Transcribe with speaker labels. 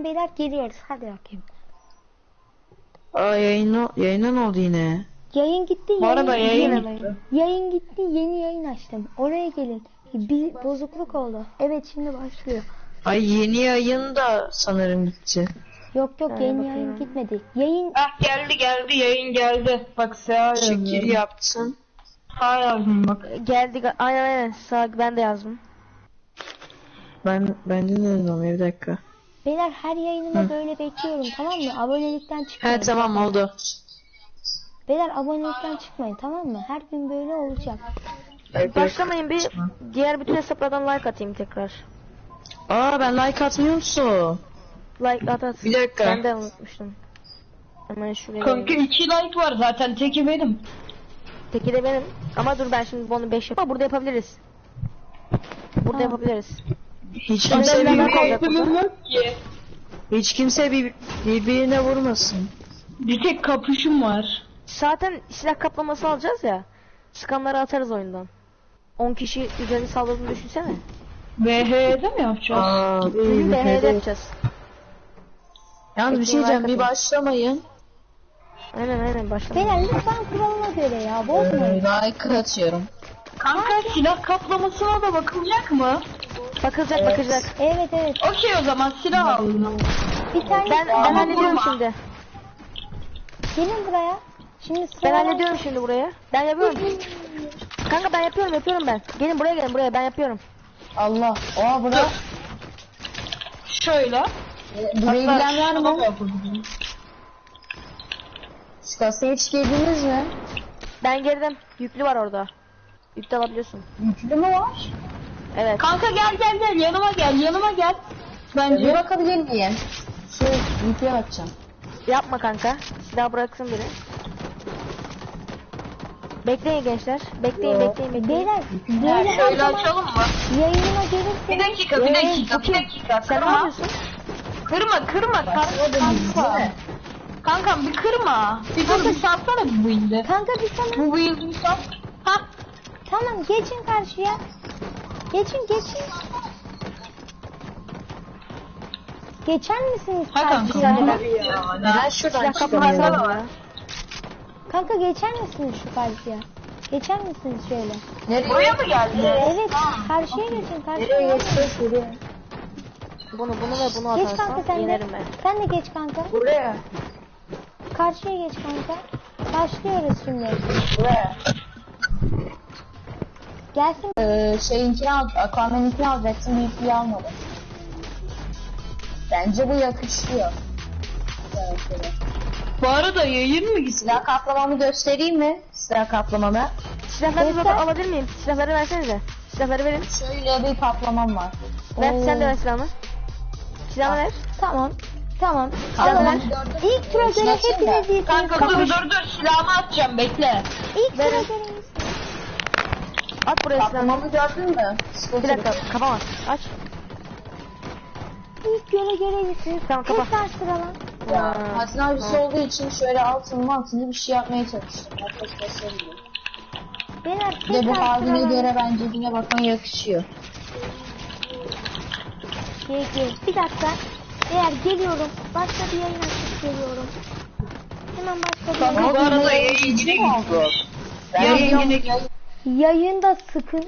Speaker 1: zaman beyler geliyoruz. Hadi bakayım.
Speaker 2: Aa yayına ne oldu yine?
Speaker 1: Yayın gitti.
Speaker 3: Bu arada yayın
Speaker 1: gitti.
Speaker 3: gitti.
Speaker 1: Yayın gitti. Yeni yayın açtım. Oraya gelin. Bir bozukluk oldu. Evet şimdi başlıyor.
Speaker 2: Ay yeni yayın da sanırım gitti.
Speaker 1: Yok yeni
Speaker 3: bakayım.
Speaker 1: yayın gitmedi. Yayın
Speaker 3: Ah geldi yayın geldi. Bak Seha
Speaker 2: Şekil
Speaker 3: yazıyorum.
Speaker 2: yaptın.
Speaker 3: Seha yazdım bak.
Speaker 4: Geldi aynen sağ ben de yazdım.
Speaker 2: Ben de ne dedim bir dakika.
Speaker 1: beyler her yayınıma böyle bekliyorum, tamam mı? Abonelikten çıkmayın.
Speaker 2: He tamam oldu.
Speaker 1: Beyler abonelikten çıkmayın, tamam mı? Her gün böyle olacak.
Speaker 4: Başlamayın bir diğer bütün hesaplardan like atayım tekrar.
Speaker 2: Aa ben like atmıyor musun?
Speaker 4: Like at.
Speaker 2: Bir dakika.
Speaker 4: Ben de unutmuştum. Hemen şuraya.
Speaker 3: Kanka 2 like var zaten, teki benim.
Speaker 4: Teki de benim. Ama dur ben şimdi bunu 5 yapayım. Burada yapabiliriz. Burada yapabiliriz.
Speaker 2: Hiç
Speaker 4: Ben
Speaker 2: kimse
Speaker 4: de
Speaker 2: bir,
Speaker 4: like olacak burada.
Speaker 3: Yok ki.
Speaker 2: hiç kimse birbirine vurmasın.
Speaker 3: Bir tek kapüşüm var.
Speaker 4: Zaten silah kaplaması alacağız ya. Sıkanları atarız oyundan. 10 kişi üzerine saldırdığını düşünsene.
Speaker 3: VH'de mi yapacağız?
Speaker 2: Aa,
Speaker 4: Bugün de HD yapacağız.
Speaker 2: Yalnız bir şey diyeceğim, bir başlamayın.
Speaker 4: Aynen başlamayın.
Speaker 1: Beyler lütfen kuralına göre ya, bozmayın.
Speaker 2: Like atıyorum.
Speaker 3: Kanka silah kaplamasına da bakılacak mı?
Speaker 4: Bakılacak.
Speaker 1: Evet.
Speaker 3: Okey, o zaman silah alalım.
Speaker 1: Bir tane
Speaker 4: Ben
Speaker 3: Ama
Speaker 4: hallediyorum
Speaker 3: vurma.
Speaker 4: şimdi.
Speaker 1: gelin buraya. Şimdi
Speaker 4: Ben
Speaker 1: sıra
Speaker 4: hallediyorum şimdi buraya. Ben yapıyorum. Kanka ben yapıyorum ben. Gelin buraya ben yapıyorum.
Speaker 5: Allah. Oha bura.
Speaker 3: Şöyle.
Speaker 5: Burayı bilen var
Speaker 3: şuna
Speaker 5: mı?
Speaker 3: da yapabilirim.
Speaker 5: Şu kasaya hiç girdiniz mi?
Speaker 4: Ben girdim. Yüklü var orada. Yüklü alabiliyorsun.
Speaker 5: Yüklü mü var?
Speaker 4: Evet.
Speaker 3: Kanka gel yanıma gel.
Speaker 5: Bir
Speaker 3: Bence
Speaker 5: bakabilir miyim? Şu yüklüye bakacağım.
Speaker 4: Yapma kanka. Silah bıraksın biri. Bekleyin gençler. Bekleyin.
Speaker 1: Beyler böyle her
Speaker 3: şöyle
Speaker 1: zaman
Speaker 3: açalım mı?
Speaker 1: yayınıma
Speaker 3: Bir
Speaker 1: gelirseniz
Speaker 3: dakika, bir dakika.
Speaker 4: Sen ne yapıyorsun?
Speaker 3: Kırma. Kanka. Kankam bir kırma. Bir dur, bir satsana bu build'i.
Speaker 1: kanka bir sana
Speaker 3: Bu build'i bir sat. Hah.
Speaker 1: tamam geçin karşıya. Geçin. Geçer misiniz
Speaker 3: Ha kanka.
Speaker 1: karşıya?
Speaker 2: Neden şuradan
Speaker 4: Silah
Speaker 2: çıkamıyorum?
Speaker 4: kaplaması var.
Speaker 1: Kanka geçer misiniz şu karşıya? Geçer misiniz şöyle?
Speaker 5: Nereye?
Speaker 3: Buraya mı geldi?
Speaker 1: Evet, karşıya geçin, karşıya.
Speaker 4: Bunu ve bunu
Speaker 1: Geç kanka
Speaker 4: atarsan
Speaker 1: sen de.
Speaker 4: yenerim ben.
Speaker 1: Sen de geç kanka.
Speaker 5: Buraya.
Speaker 1: Karşıya geç kanka. Başlıyoruz şimdi.
Speaker 5: Buraya.
Speaker 1: Gelsin.
Speaker 5: Şeyinkini al, Aquaman'inkini alacaksın, yüklüyü almadım. Bence bu yakışıyor. Evet, evet.
Speaker 3: Bu arada yayın mı gitsin?
Speaker 5: Silah kaplamamı göstereyim mi? Silah kaplamamı.
Speaker 4: Silahları
Speaker 1: Göster.
Speaker 4: alabilir miyim? Silahları versenize. Silahları verin.
Speaker 5: Şöyle bir kaplamam var.
Speaker 4: Ver
Speaker 1: Oo.
Speaker 4: sen de ver silahını. Silahını ver.
Speaker 1: Tamam.
Speaker 5: Tamam.
Speaker 1: İlk tura göre hepiniz iyisiniz.
Speaker 3: Kanka dur silahımı atacağım, bekle.
Speaker 1: İlk tura
Speaker 4: Verin.
Speaker 1: göre iyisiniz.
Speaker 4: At buraya silahını.
Speaker 5: Kaplamamı gördün mü?
Speaker 4: Bir dakika kapama. Aç.
Speaker 1: İlk yola göre iyisiniz.
Speaker 4: Tamam, kapa.
Speaker 1: Tekrar sıralan.
Speaker 5: Ya, Hasan abisi olduğu için şöyle altını bir şey yapmaya çalıştım. Arkadaşlar söylüyor.
Speaker 1: Beyler
Speaker 5: Bir de bu
Speaker 1: tekrar
Speaker 5: haline
Speaker 1: sıralan.
Speaker 5: göre bence yine bakmaya yakışıyor.
Speaker 1: Gel. Bir dakika. Eğer geliyorum. Başka bir yayın açıp geliyorum. Hemen başka bir yayın.
Speaker 3: Bu arada yayın yine gidiyor. Yayın yine
Speaker 1: Yayında sıkın.